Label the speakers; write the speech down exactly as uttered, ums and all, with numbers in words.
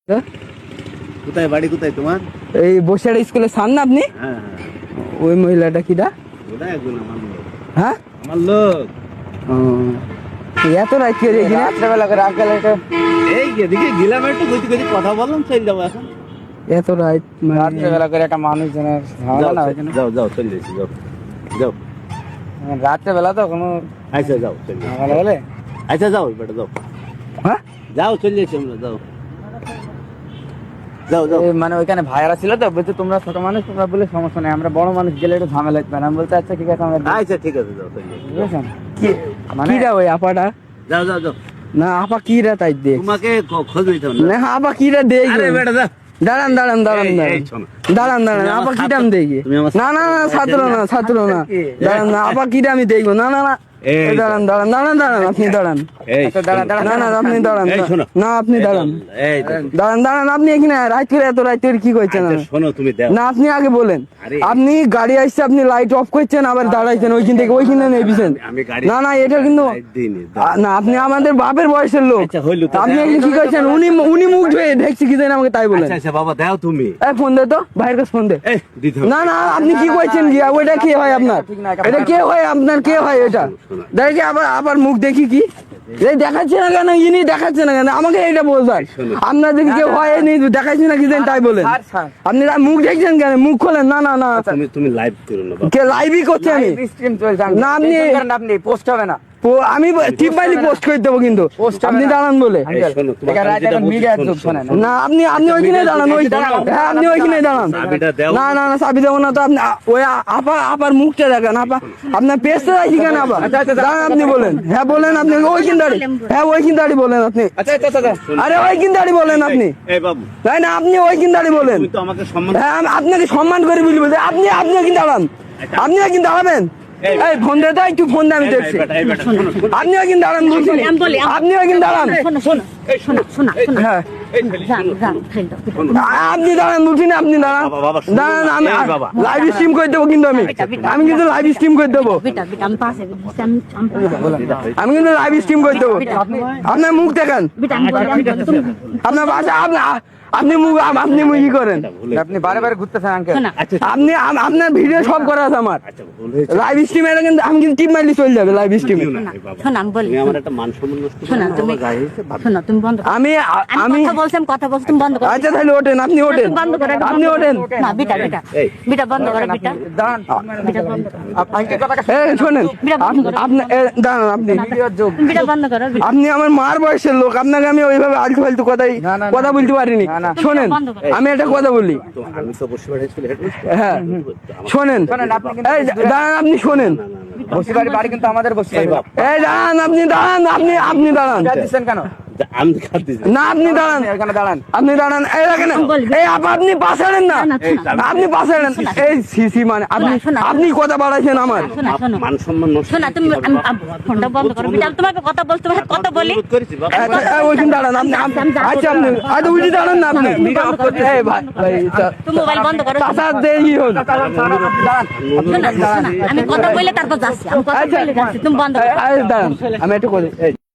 Speaker 1: হ্যাঁ?
Speaker 2: কোথায় বাড়ি কোথায় তোমার?
Speaker 1: এই বসিরহাট স্কুলের সামনে আপনি?
Speaker 2: হ্যাঁ
Speaker 1: ওই মহিলাটা কিডা?
Speaker 2: ওটা একজন আমার লোক।
Speaker 1: হ্যাঁ
Speaker 2: আমার লোক
Speaker 1: ও, এত রাত করে এখানে রাত্রেবেলা করে আজকাল এটা
Speaker 2: এই এদিকে গেলাম একটু কইতে কইতে কথা বললাম চলে যাবো এখন।
Speaker 1: এত রাত রাত্রেবেলা করে একটা মানুষজনের ঝামেলা না
Speaker 2: যাও,
Speaker 1: ওইখানে
Speaker 2: যাও যাও চলে যাচ্ছি যাও যাও
Speaker 1: রাত্রেবেলা তো কোনো
Speaker 2: আচ্ছা যাও চলে যাও
Speaker 1: ঝামেলা হলে
Speaker 2: আচ্ছা যাও বেটা যাও
Speaker 1: হ্যাঁ
Speaker 2: যাও চলে যাচ্ছি আমরা যাও যাও যাও
Speaker 1: এই মানে ওইখানে ভাইয়ারা ছিল তো বলছে তোমরা ছোট মানুষ তোমরা বলে সমস্যা নেই আমরা বড় মানুষ গেলে একটু ঝামেলা হতে পারে আমি বলতে আচ্ছা ঠিক আছে আমরা
Speaker 2: আচ্ছা ঠিক আছে যাও চলে যাচ্ছি
Speaker 1: বুঝেছেন কি মানে কিরা ওই আপাটা
Speaker 2: যাও যাও যাও
Speaker 1: না আপা কিরা তাই দেখ
Speaker 2: তোমাকে খ- খোঁজ নিতে হবে না
Speaker 1: না আপা কিরা দেখ
Speaker 2: আরে বেটা যাও
Speaker 1: দাঁড়ান দাঁড়ান দাঁড়ান
Speaker 2: এই,
Speaker 1: দাঁড়ান
Speaker 2: এই, শোনো।
Speaker 1: দাঁড়ান দাঁড়ান
Speaker 2: তুমি আমার
Speaker 1: আপা কিটা
Speaker 2: ছাত্র-
Speaker 1: আমি দেখি
Speaker 2: তুমি আমার
Speaker 1: না না না ছাত্র না ছাত্র না দাঁড়ান না আপা কিটা আমি দেখবো না না না
Speaker 2: এই,
Speaker 1: এই দাঁড়ান দাঁড়ান দাঁড়ান দাঁড়ান আপনি দাঁড়ান
Speaker 2: এই
Speaker 1: দাঁড়ান দাঁড়ান না না আপনি দাঁড়ান
Speaker 2: এই, শোনো।
Speaker 1: না আপনি দাঁড়ান
Speaker 2: এই দেখো।
Speaker 1: দাঁড়ান দাঁড়ান আপনি এখানে রাত করে এত রাত করে কি করছেন
Speaker 2: আচ্ছা, শোনো তুমি দাও
Speaker 1: না আপনি আগে বলেন
Speaker 2: আরে।
Speaker 1: আপনি গাড়ি আসছে আপনি লাইট অফ করছেন আবার দাঁড়াইছেন ওইখান থেকে ওইখানে নেবিছেন
Speaker 2: আমি গাড়ি
Speaker 1: না না এটা কিন্তু
Speaker 2: লাইট দিইনি, দাও।
Speaker 1: আ, না আপনি আমাদের বাপের বয়সের লোক
Speaker 2: আচ্ছা, হইলো তো,
Speaker 1: আপনি
Speaker 2: দাও।
Speaker 1: এখানে কি করছেন উনি উনি মুখ ধুয়ে ঢেকছি কি দেন আমাকে তাই বলেন
Speaker 2: আচ্ছা আচ্ছা বাবা দাও তুমি
Speaker 1: এই ফোন দে তো ভাইয়ের কাছে ফোন দে
Speaker 2: এই দিতে হবে।
Speaker 1: না না আপনি কি কইছেন কি ওইটা কে হয় আপনার এটা কে হয় আপনার কে হয় এটা দেখি আবার আবার মুখ দেখি কি এই দেখাচ্ছে না কেন ইনি দেখাচ্ছে না কেন আমাকে এটা বলবেন আপনার দেখি কেউ হয় নি দেখাচ্ছে না কি দেন তাই বলেন আপনি রা- মুখ দেখছেন কেন মুখ খোলেন না না না
Speaker 2: তুমি তুমি লাইভ করো না বাবা
Speaker 1: কে লাইভই করছি আমি
Speaker 3: স্ট্রিম চলছে
Speaker 1: না আপনি
Speaker 3: আপনি পোস্ট হবে না
Speaker 1: পো- আমি টিপ মাইলি পোস্ট করে দেবো কিন্তু আপনি দাঁড়ান বলে
Speaker 2: এই শোনো তোমার
Speaker 3: এখানে
Speaker 2: আমি যেটা
Speaker 3: এখন
Speaker 2: বলছি,
Speaker 3: মিডিয়ার
Speaker 2: শোনো,
Speaker 3: যুগ,
Speaker 2: শোনো,
Speaker 3: শোনেন।
Speaker 2: শোনো।
Speaker 1: না আপনি আপনি ওইখানে দাঁড়ান ওই হ্যাঁ আপনি ওইখানে দাঁড়ান
Speaker 2: চাবিটা দাও
Speaker 1: না না না চাবি দেবো না তো আপনি আ- ওই আ- আপা আপার মুখটা দেখেন আপা আপনার পেস্টটা রাখি কেন আপা দাঁড়ান আপনি বলেন হ্যাঁ বলেন আপনি ওইখান দাঁড়ি হ্যাঁ ওইখান দাঁড়ি বলেন আপনি
Speaker 3: আচ্ছা আচ্ছা আচ্ছা
Speaker 1: আরে ওইখান দাঁড়ি বলেন আপনি
Speaker 2: এই বাবু
Speaker 1: তাই না আপনি ওইখান দাঁড়ি বলেন
Speaker 2: তুমি তো আমাকে সম্মান
Speaker 1: হ্যাঁ আমি আপনাকে সম্মান করে বলি বলতে আপনি আপনি ওইখান দাঁড়ান আপনি ওইখান দাঁড়াবেন
Speaker 2: এই-
Speaker 1: এই ফোন দে তো একটু ফোন দে আমি
Speaker 2: এই
Speaker 1: দেখছি
Speaker 2: বেটা, এই বেটা, শোনো, শোনো।
Speaker 1: আপনি ওইখান দাঁড়ান বলছি
Speaker 4: আমি বলি, আমি-
Speaker 1: আপনি ওইখান দাঁড়ান
Speaker 4: শোনো শোনো শোনো শোনো শোনো
Speaker 1: হ্যাঁ
Speaker 2: এই ছেলে,
Speaker 4: যান
Speaker 2: শোনো,
Speaker 4: যান
Speaker 2: শোনো।
Speaker 4: ফেল দাও
Speaker 2: শোনো।
Speaker 1: আ- আপনি দাঁড়ান বলছি না আপনি দাঁড়ান
Speaker 2: বাবা, বাবা, শোনো।
Speaker 1: দাঁড়ান আমি
Speaker 2: এই বাবা।
Speaker 1: লাইভ স্ট্রিম করে দেবো কিন্তু আমি আমি কিন্তু লাইভ স্ট্রিম করে দেবো
Speaker 4: বেটা বেটা আমি পাশে বেটা আমি আমি পাশে
Speaker 1: আমি কিন্তু লাইভ স্ট্রিম করে দেবো আপনার মুখ দেখান
Speaker 4: বেটা আমি বলি আমি বলি, তুমি
Speaker 1: আপনার বাসা আপনি আপনি মুখ আপনি মুখ কি করেন
Speaker 3: আপনি বারে বারে ঘুরতেছেন আঙ্কেল
Speaker 4: শোনা
Speaker 2: আচ্ছা
Speaker 1: আপনি আম- আপনার ভিডিও সব করা আছে আমার
Speaker 2: আচ্ছা ভুল হয়েছে
Speaker 1: লাইভ স্ট্রিমে কিন্তু আমি কিন্তু টিপ মারলে চলে যাবে লাইভ স্ট্রিমে
Speaker 2: দিও না, এই বাবা।
Speaker 4: শোনা আমি বলি
Speaker 2: তুমি আমার একটা মান সম্মান নষ্ট করো
Speaker 4: শোনা
Speaker 2: না,
Speaker 4: তুমি
Speaker 2: বাবা, গায়ে হয়েছে, বাবা।
Speaker 4: শোনা তুমি বন্ধ করো
Speaker 1: আমি আ-
Speaker 4: আমি
Speaker 1: আমি
Speaker 4: কথা বলছি আমি কথা বলছি তুমি বন্ধ করো
Speaker 1: আচ্ছা তাহলে ওঠেন আপনি ওঠেন
Speaker 4: তুমি বন্ধ করো একদম
Speaker 1: আপনি
Speaker 4: বন্ধ করো।
Speaker 1: ওঠেন
Speaker 4: না বেটা বেটা
Speaker 2: এই।
Speaker 4: বেটা বন্ধ করো বেটা
Speaker 3: দাঁড়ান
Speaker 4: বেটা বন্ধ করো
Speaker 3: আঙ্কেল কথা
Speaker 1: এ শোনেন আপ- আপনি এ, দাঁড়ান আপনি
Speaker 4: তুমি বেটা বন্ধ করো বেটা।
Speaker 1: আপনি আমার মার বয়সের লোক আপনাকে আমি ওইভাবে আলতু ফালতু কথাই
Speaker 3: না, না,
Speaker 1: কথা বলতে পারিনি
Speaker 3: না, না।
Speaker 1: শোনেন
Speaker 4: বন্ধ করো।
Speaker 1: আমি একটা কথা বলি
Speaker 2: তো আমি তো বসে বাড়ি ছিল
Speaker 1: হ্যাঁ শোনেন
Speaker 3: শোনেন, আপনি কিন্তু
Speaker 1: এই দাঁড়ান আপনি শোনেন
Speaker 3: বসি বাড়ি বাড়ি কিন্তু আমাদের বসি
Speaker 2: এই
Speaker 3: বাড়ি
Speaker 2: বাপ
Speaker 1: এই দাঁড়ান আপনি দাঁড়ান আপনি আপনি দাঁড়ান
Speaker 3: যা দিচ্ছেন কেন
Speaker 2: আমি খাত দিছি
Speaker 1: না আপনি দাঁড়ান
Speaker 3: এখানে দাঁড়ান
Speaker 1: আপনি দাঁড়ান এই দেখেন এই আপা আপনি পাশাড়েন না
Speaker 4: না,
Speaker 2: এই
Speaker 4: শোনা
Speaker 1: আপনি পাশাড়েন এই সিসি মানে আপনি
Speaker 4: শোনা, শোনা।
Speaker 1: আপনি কথা বাড়াইছেন আমার
Speaker 4: শোনা শোনো
Speaker 2: মান সম্মান নষ্ট
Speaker 4: শোনা তুমি আমি- আমি- ফোনটা বন্ধ করো বেটা আমি তোমাকে কথা বলতে তোমাকে কথা বলি
Speaker 2: অনুরোধ করেছি বাবা
Speaker 1: আচ্ছা, এই ওইখানে দাঁড়ান আপনি আপনি-
Speaker 4: আমি যাবো।
Speaker 1: আচ্ছা আপনি আচ্ছা উঠে দাঁড়ান না আপনি এই ভাই ভাই তা-
Speaker 4: তুমি মোবাইল বন্ধ করো
Speaker 1: চাচা দেই হন
Speaker 4: শোনা শোনা আমি কথা বলে তারপর যাচ্ছি আমি কথা
Speaker 1: আচ্ছা।
Speaker 4: বলে যাচ্ছি তুমি বন্ধ করো
Speaker 1: এই, এই, দাঁড়ান আমি একটু করি এই